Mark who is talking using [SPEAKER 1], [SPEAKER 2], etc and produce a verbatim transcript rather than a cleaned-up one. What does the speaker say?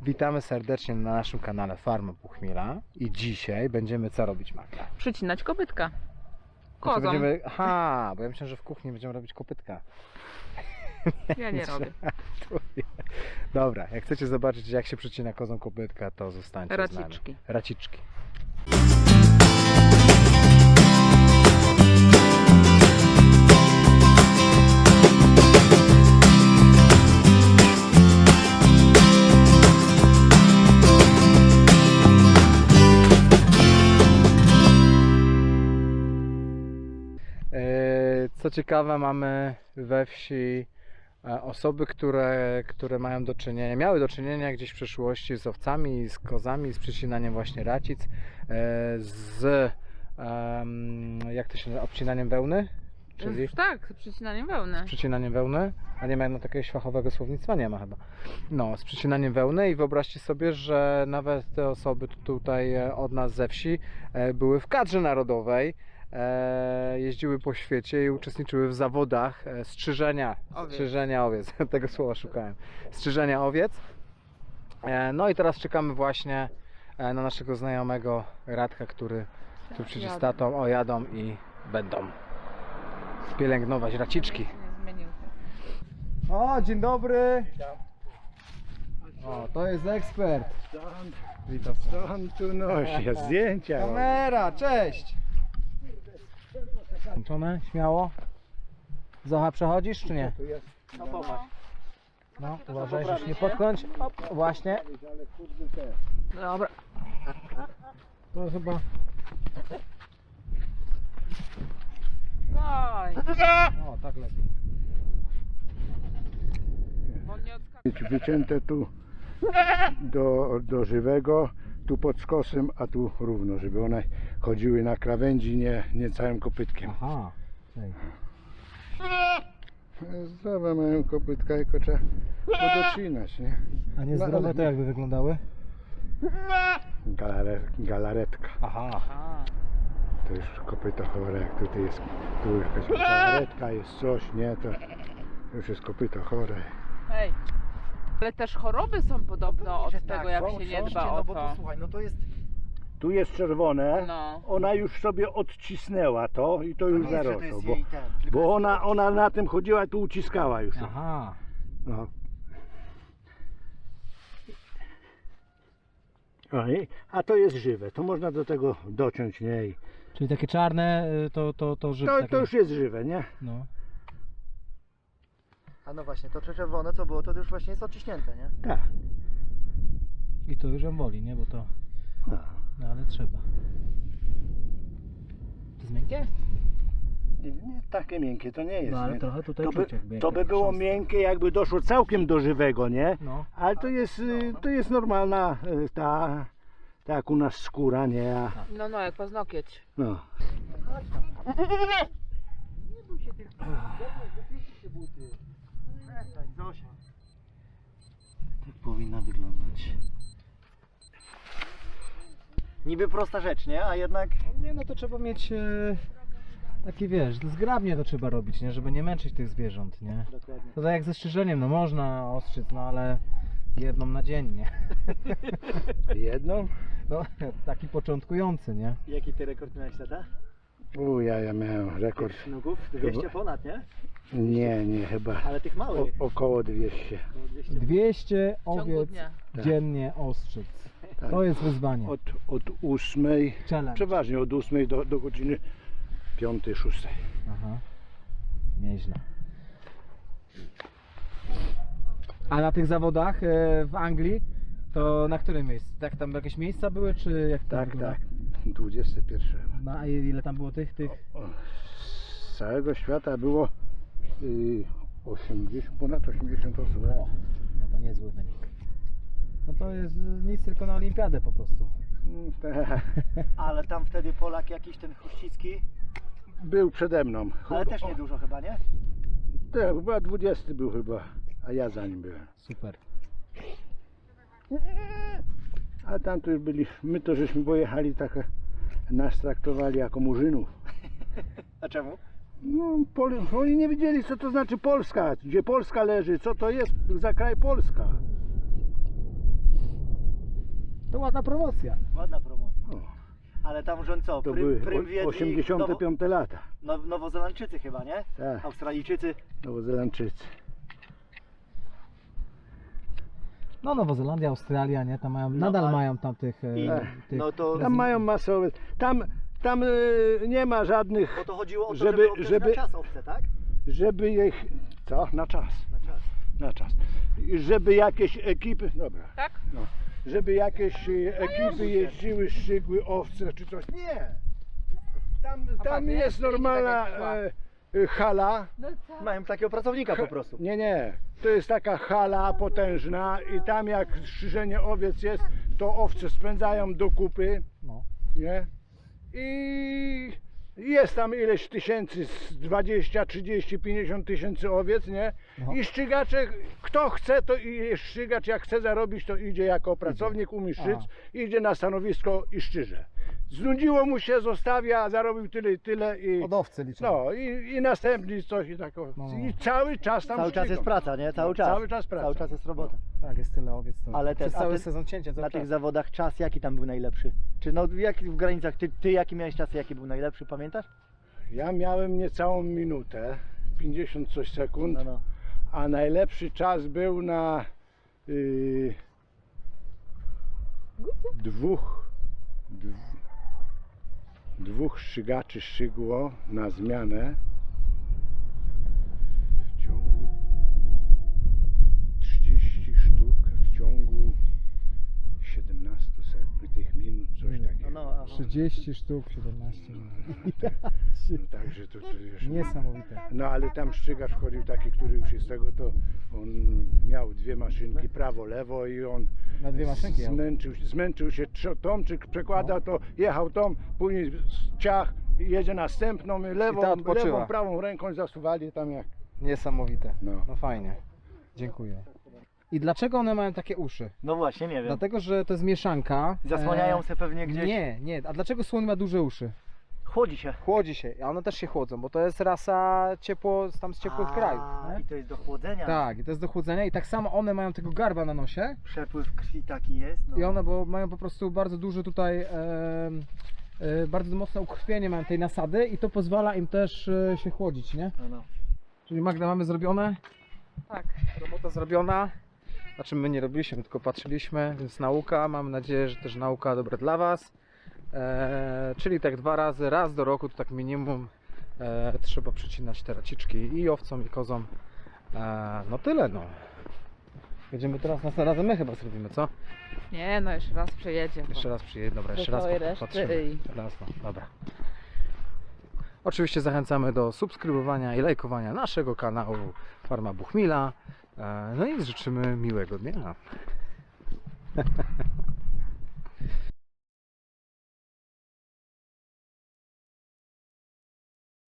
[SPEAKER 1] Witamy serdecznie na naszym kanale Farma Puchmiela i dzisiaj będziemy co robić, Magda?
[SPEAKER 2] Przycinać kopytka.
[SPEAKER 1] Znaczy
[SPEAKER 2] Kozą.
[SPEAKER 1] będziemy... Aha, bo ja myślałem, że w kuchni będziemy robić kopytka.
[SPEAKER 2] Ja nie robię.
[SPEAKER 1] Dobra, jak chcecie zobaczyć, jak się przycina kozą kopytka, to zostańcie z nami.
[SPEAKER 2] Raciczki.
[SPEAKER 1] Raciczki. Co ciekawe, mamy we wsi osoby, które, które mają do czynienia, miały do czynienia gdzieś w przeszłości z owcami, z kozami, z przycinaniem właśnie racic, z jak to się nazywa, obcinaniem wełny? Czyli
[SPEAKER 2] Tak, z przycinaniem wełny.
[SPEAKER 1] z przycinaniem wełny, a nie ma no takiego fachowego słownictwa, nie ma chyba. No, z przycinaniem wełny i wyobraźcie sobie, że nawet te osoby tutaj od nas ze wsi były w kadrze narodowej. E, jeździły po świecie i uczestniczyły w zawodach e, strzyżenia
[SPEAKER 2] Owiec.
[SPEAKER 1] strzyżenia owiec, tego słowa szukałem, strzyżenia owiec. E, no i teraz czekamy właśnie e, na naszego znajomego Radka, który, który przyjdzie z tatą, o jadą i będą pielęgnować raciczki.
[SPEAKER 2] Nie zmienił się.
[SPEAKER 1] O, dzień dobry! O, to jest ekspert. Witam.
[SPEAKER 3] On tu nosi zdjęcia.
[SPEAKER 1] Kamera, cześć! Włączone, śmiało. Zocha, przechodzisz czy nie?
[SPEAKER 3] No popatrz.
[SPEAKER 1] No, uważaj, żeby się nie potknąć. O, właśnie. Dobra. To chyba...
[SPEAKER 2] Daj.
[SPEAKER 1] O, tak lepiej.
[SPEAKER 2] Bo nie odskakuje.
[SPEAKER 3] Wycięte tu do, do żywego, tu pod skosem, a tu równo, żeby one chodziły na krawędzi, nie, nie całym kopytkiem.
[SPEAKER 1] Aha. Ej.
[SPEAKER 3] Zdrowe mają kopytka, tylko trzeba podocinać, nie?
[SPEAKER 1] A niezdrowe to jakby wyglądały?
[SPEAKER 3] Galare, galaretka.
[SPEAKER 1] Aha.
[SPEAKER 2] A,
[SPEAKER 3] To już kopyto chore, jak tutaj jest, tu już jakaś galaretka, jest coś, nie? To już jest kopyto chore.
[SPEAKER 2] hej. Ale też choroby są podobno od
[SPEAKER 4] że
[SPEAKER 2] tego,
[SPEAKER 4] tak,
[SPEAKER 2] jak
[SPEAKER 4] są,
[SPEAKER 2] się nie
[SPEAKER 4] są,
[SPEAKER 2] dba
[SPEAKER 4] no
[SPEAKER 2] o
[SPEAKER 4] bo to
[SPEAKER 2] to.
[SPEAKER 4] słuchaj, no to jest.
[SPEAKER 3] Tu jest czerwone,
[SPEAKER 2] No.
[SPEAKER 3] ona już sobie odcisnęła to i to
[SPEAKER 4] To
[SPEAKER 3] już
[SPEAKER 4] nie jest, że to
[SPEAKER 3] zarosło,
[SPEAKER 4] jest
[SPEAKER 3] bo,
[SPEAKER 4] jej ten, tylko
[SPEAKER 3] bo
[SPEAKER 4] jest
[SPEAKER 3] ona,
[SPEAKER 4] jej
[SPEAKER 3] ona na tym chodziła i tu uciskała już.
[SPEAKER 1] Aha.
[SPEAKER 3] No. Oj, a to jest żywe, to można do tego dociąć, nie? I
[SPEAKER 1] Czyli takie czarne to, to, to żywe.
[SPEAKER 3] to,
[SPEAKER 1] takie...
[SPEAKER 3] to już jest żywe, nie?
[SPEAKER 1] No.
[SPEAKER 4] A no właśnie, to czerwone co było, to już właśnie jest odciśnięte, nie?
[SPEAKER 3] Tak.
[SPEAKER 1] I to już ją boli, nie? Bo to...
[SPEAKER 3] No.
[SPEAKER 1] No ale trzeba. To jest miękkie?
[SPEAKER 3] Nie, nie, takie miękkie to nie jest.
[SPEAKER 1] No ale
[SPEAKER 3] nie?
[SPEAKER 1] trochę tutaj
[SPEAKER 3] To
[SPEAKER 1] czuć
[SPEAKER 3] by,
[SPEAKER 1] jakby.
[SPEAKER 3] to
[SPEAKER 1] jak
[SPEAKER 3] by
[SPEAKER 1] taka
[SPEAKER 3] było
[SPEAKER 1] chrząstka.
[SPEAKER 3] miękkie, jakby doszło całkiem do żywego, nie?
[SPEAKER 1] No.
[SPEAKER 3] Ale to jest, y, to jest normalna y, ta, tak jak u nas skóra, nie? A,
[SPEAKER 2] No, no, jak paznokieć.
[SPEAKER 3] no.
[SPEAKER 4] Przestań, Zosia.
[SPEAKER 1] Tak powinna wyglądać.
[SPEAKER 4] Niby prosta rzecz, nie? A jednak.
[SPEAKER 1] Nie, no to trzeba mieć e, takie, wiesz, zgrabnie to trzeba robić, nie? Żeby nie męczyć tych zwierząt, nie?
[SPEAKER 4] Dokładnie.
[SPEAKER 1] To tak jak ze strzyżeniem, no można ostrzyc, no ale jedną na dzień, nie?
[SPEAKER 3] Jedną?
[SPEAKER 1] No, taki początkujący, nie?
[SPEAKER 4] Jaki ty rekord miałeś, tata?
[SPEAKER 3] U, ja, ja miałem rekord.
[SPEAKER 4] Nogów? dwieście ponad, nie?
[SPEAKER 3] Nie, nie, chyba
[SPEAKER 4] Ale tych
[SPEAKER 3] o,
[SPEAKER 4] małych.
[SPEAKER 3] około dwieście.
[SPEAKER 4] Około dwieście.
[SPEAKER 1] dwieście
[SPEAKER 2] W ciągu
[SPEAKER 1] owiec
[SPEAKER 2] dnia.
[SPEAKER 3] Tak.
[SPEAKER 1] dziennie ostrzyc.
[SPEAKER 3] Tak.
[SPEAKER 1] To jest wyzwanie.
[SPEAKER 3] Od, od ósmej,
[SPEAKER 1] Challenge.
[SPEAKER 3] przeważnie od ósmej do, do godziny piątej, szóstej.
[SPEAKER 1] Aha. Nieźle. A na tych zawodach e, w Anglii, to na którym miejscu? Tak tam jakieś miejsca były, czy jak to
[SPEAKER 3] Tak,
[SPEAKER 1] wygląda?
[SPEAKER 3] tak. dwudzieste pierwsze.
[SPEAKER 1] No a ile tam było tych, tych?
[SPEAKER 3] O, z całego świata było y, osiemdziesiąt, ponad osiemdziesiąt osób.
[SPEAKER 1] O, no to niezły wynik. No to jest nic tylko na olimpiadę po prostu.
[SPEAKER 3] Mm, tak.
[SPEAKER 4] Ale tam wtedy Polak jakiś ten Chruścicki,
[SPEAKER 3] Był przede mną.
[SPEAKER 4] ale też nie dużo chyba, nie?
[SPEAKER 3] Tak, chyba dwudziesty był chyba, a ja za nim byłem.
[SPEAKER 1] Super.
[SPEAKER 3] A tam to już byli, my to żeśmy pojechali tak, nas traktowali jako murzynów.
[SPEAKER 4] A czemu?
[SPEAKER 3] No, Pol oni nie wiedzieli, co to znaczy Polska, gdzie Polska leży, co to jest za kraj Polska.
[SPEAKER 1] To ładna promocja.
[SPEAKER 4] Ładna promocja.
[SPEAKER 3] O,
[SPEAKER 4] Ale tam rząd co?
[SPEAKER 3] to
[SPEAKER 4] Prym,
[SPEAKER 3] były
[SPEAKER 4] prym
[SPEAKER 3] o-
[SPEAKER 4] wiedli
[SPEAKER 3] osiemdziesiąte piąte lata.
[SPEAKER 4] Now, Nowozelandczycy chyba, nie?
[SPEAKER 3] Tak,
[SPEAKER 4] Australijczycy.
[SPEAKER 3] Nowozelandczycy.
[SPEAKER 1] No Nowozelandia, Australia, nie? Tam mają,
[SPEAKER 4] No,
[SPEAKER 1] nadal
[SPEAKER 4] ale-
[SPEAKER 1] mają tam tych... e,
[SPEAKER 4] I,
[SPEAKER 1] tych
[SPEAKER 4] no to,
[SPEAKER 3] Tam mają masowe. Tam, tam y, nie ma żadnych,
[SPEAKER 4] bo to chodziło o to,
[SPEAKER 3] żeby-
[SPEAKER 4] żeby, żeby,
[SPEAKER 3] żeby-
[SPEAKER 4] na czas owce, tak?
[SPEAKER 3] żeby ich. Co? Na czas.
[SPEAKER 4] Na czas.
[SPEAKER 3] Na czas. I żeby jakieś ekipy. Dobra.
[SPEAKER 2] Tak?
[SPEAKER 3] No, żeby jakieś e, ekipy jeździły, szczygły owce czy coś. Nie! Tam,
[SPEAKER 2] A
[SPEAKER 3] tam
[SPEAKER 2] pan
[SPEAKER 3] jest
[SPEAKER 2] wie,
[SPEAKER 3] normalna
[SPEAKER 2] tak jak szła.
[SPEAKER 3] e, e, hala.
[SPEAKER 2] No co?
[SPEAKER 4] Mają takiego pracownika po prostu.
[SPEAKER 3] Nie, nie. To jest taka hala potężna i tam jak strzyżenie owiec jest, to owce spędzają do kupy.
[SPEAKER 1] No.
[SPEAKER 3] Nie? I jest tam ileś tysięcy, z dwadzieścia, trzydzieści, pięćdziesiąt tysięcy owiec, nie?
[SPEAKER 1] No.
[SPEAKER 3] I szczygacze, kto chce, to i jest szczygacz, jak chce zarobić, to idzie jako pracownik, umie szyc, idzie na stanowisko i szczyże. Znudziło mu się, zostawia, zarobił tyle i tyle i
[SPEAKER 1] Od owcy liczą.
[SPEAKER 3] no i, i następny coś i tak o-
[SPEAKER 1] No.
[SPEAKER 3] i cały czas tam
[SPEAKER 4] Cały czas
[SPEAKER 3] szczygą.
[SPEAKER 4] jest praca, nie? Cały
[SPEAKER 3] No,
[SPEAKER 4] czas.
[SPEAKER 3] cały czas praca.
[SPEAKER 4] Cały czas jest robota.
[SPEAKER 1] Tak, jest tyle owiec. To
[SPEAKER 4] Ale
[SPEAKER 1] przez
[SPEAKER 4] ten- a
[SPEAKER 1] cały
[SPEAKER 4] ten-
[SPEAKER 1] sezon cięcia cały
[SPEAKER 4] Na
[SPEAKER 1] czas.
[SPEAKER 4] tych zawodach czas jaki tam był najlepszy? Czy no jak w granicach, ty, ty jaki miałeś czas, jaki był najlepszy, pamiętasz?
[SPEAKER 3] Ja miałem niecałą minutę, pięćdziesiąt coś sekund.
[SPEAKER 4] No, no.
[SPEAKER 3] A najlepszy czas był na y, dwóch, dw, dwóch szczygaczy szczygło na zmianę w ciągu trzydziestu sztuk w ciągu siedemnastu sekund, tych minut, coś
[SPEAKER 1] Nie.
[SPEAKER 3] takiego.
[SPEAKER 4] No, no, aha.
[SPEAKER 1] trzydzieści sztuk, siedemnaście.
[SPEAKER 3] No, także to, to już
[SPEAKER 1] Niesamowite.
[SPEAKER 3] No ale tam szczygacz wchodził taki, który już jest tego, to on miał dwie maszynki, prawo, lewo i on
[SPEAKER 1] Na dwie maszynki jechał.
[SPEAKER 3] zmęczył, zmęczył się trzo- tą, czy przekładał to, jechał tą, później ciach, jedzie następną, lewą,
[SPEAKER 1] ta odpoczywa.
[SPEAKER 3] lewą, prawą ręką zasuwali tam jak.
[SPEAKER 1] Niesamowite.
[SPEAKER 3] No.
[SPEAKER 1] No fajnie. Dziękuję. I dlaczego one mają takie uszy?
[SPEAKER 4] No właśnie, nie wiem.
[SPEAKER 1] Dlatego, że to jest mieszanka.
[SPEAKER 4] Zasłaniają
[SPEAKER 1] e,
[SPEAKER 4] się pewnie gdzieś.
[SPEAKER 1] Nie, nie. A dlaczego słoń ma duże uszy?
[SPEAKER 4] Chłodzi się.
[SPEAKER 1] Chłodzi się, a one też się chłodzą, bo to jest rasa ciepło, tam z ciepłych
[SPEAKER 4] A,
[SPEAKER 1] krajów.
[SPEAKER 4] I
[SPEAKER 1] Nie?
[SPEAKER 4] to jest do chłodzenia.
[SPEAKER 1] Tak, i to jest do chłodzenia i tak samo one mają tego garba na nosie
[SPEAKER 4] Przepływ krwi taki jest. No.
[SPEAKER 1] i one bo mają po prostu bardzo duży tutaj, e, e, bardzo mocne ukrwienie mają tej nasady i to pozwala im też e, się chłodzić, nie?
[SPEAKER 4] No, no.
[SPEAKER 1] Czyli Magda, mamy zrobione,
[SPEAKER 2] Tak.
[SPEAKER 1] robota zrobiona, znaczy my nie robiliśmy, tylko patrzyliśmy, więc nauka, mam nadzieję, że też nauka dobra dla Was. E, czyli tak dwa razy, raz do roku to tak minimum e, trzeba przycinać te raciczki i owcom i kozom. E, no tyle no. Jedziemy teraz, następnym razem my chyba zrobimy, co?
[SPEAKER 2] Nie, no jeszcze raz przejedzie.
[SPEAKER 1] Jeszcze raz przyjedzie, dobra, jeszcze raz
[SPEAKER 2] całej
[SPEAKER 1] po-
[SPEAKER 2] reszty
[SPEAKER 1] patrzymy.
[SPEAKER 2] i-
[SPEAKER 1] Teraz no, dobra. Oczywiście zachęcamy do subskrybowania i lajkowania naszego kanału Farma Buchmila. E, no i życzymy miłego dnia.